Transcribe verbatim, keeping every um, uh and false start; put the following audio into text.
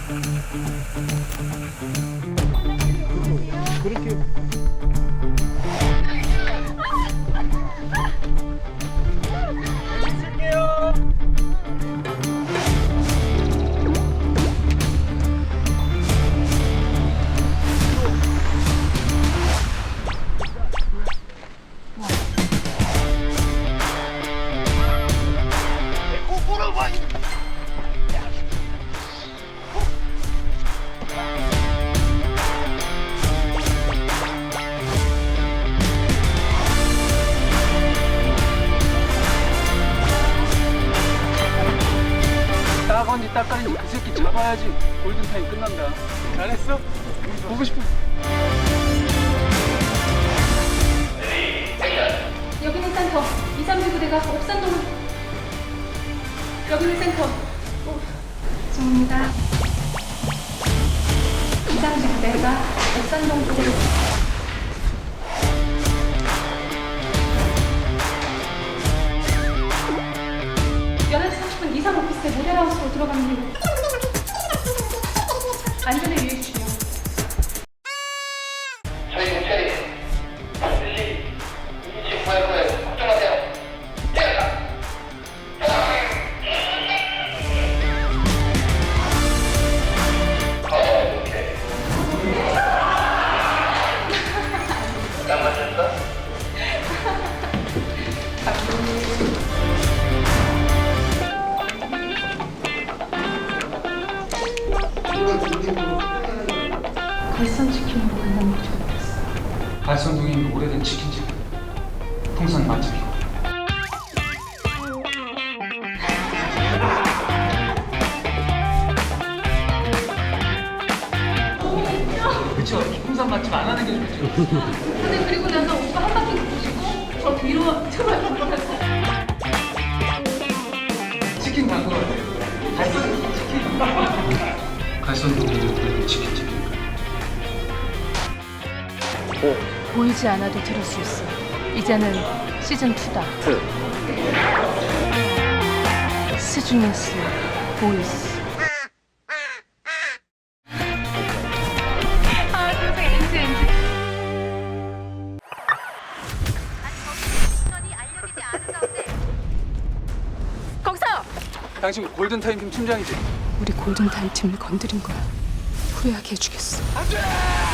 그렇게 따건지 따까인지 그 새끼 잡아야지 골든타임 끝난다. 잘했어? 보고 싶어. 여기는 센터. 이삼구 부대가 옥산동을. 여기는 센터. 오, 죄송합니다. 이삼구 부대가 옥산동 부대로. 열한 시 삼십 분 이상 오피스텔 모델하우스로 들어가는 길. 안전에 유의해 주시오. 저희는 처리 반드시 이기치 구할 거예요. 걱정하세요. 때렸다. 어, 오케이. 땀 마셨어? 갈선 치킨으로 간단 먹지 못했어. 갈선동이 오래된 치킨집. 풍선 맛집이고. 그쵸? 풍선 맛집 안 하는 게 좋죠. 근데 그리고 나서 오빠 한 바퀴 도시고 저 뒤로 정말 돌아서. 치킨 광고 같아요. 갈선 치킨. 갈선동이 오래된 치킨집이니까. 보이지 않아도 들을 수 있어. 이제는 시즌 투다. 스중에스 보이스. 아, 세상에 엔지 엔지. 거기서! 당신 골든타임 팀 팀장이지? 우리 골든타임 팀을 건드린 거야. 후회하게 해주겠어. 안 돼!